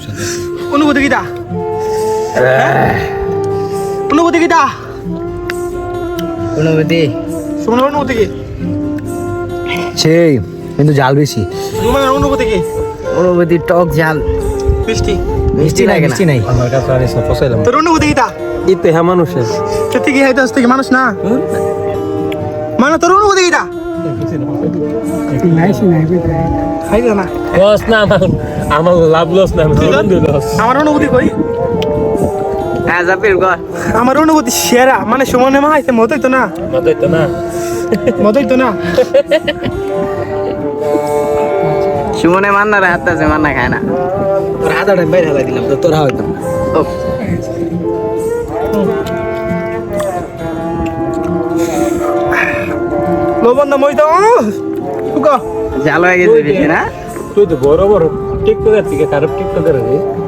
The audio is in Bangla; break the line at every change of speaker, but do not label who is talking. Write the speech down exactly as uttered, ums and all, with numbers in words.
অনুভূতি কিটা অনুভূতি কিটা
অনুভূতি
সুমনের অনুভূতি কি
সেই কিন্তু জাল বেশি
সুমনের অনুভূতি কি
অনুভূতি টক জাল
মিষ্টি
মিষ্টি নাই মিষ্টি নাই
আমার কাছে আর এসব পছাইলাম
তোর অনুভূতি কিটা
ইতে হ্যাঁ মানুষের
সত্যি কি হাইতে আসতে কি মানুষ না মানে তোর অনুভূতি কিটা খাইবে না
লস না আমার আমার লাভ লস না আমার লস
আমার অনুভূতি কই
হ্যাঁ জাপির গর
আমার অনুভূতি সেরা মানে সুমনে মা আইছে মতই তো না
মতই তো না
মতই তো না
সুমনে মান্নার হাত আছে মান্না খায় না তোর হাতটা বাইরে হালাই দিলাম তো তোরা হয়তো ও
লবণ না মই তো তুকা
জাল হয়ে গেছে বেশি না
তুই তো বড় বড় টিকটকের থেকে খারাপ টিকটকের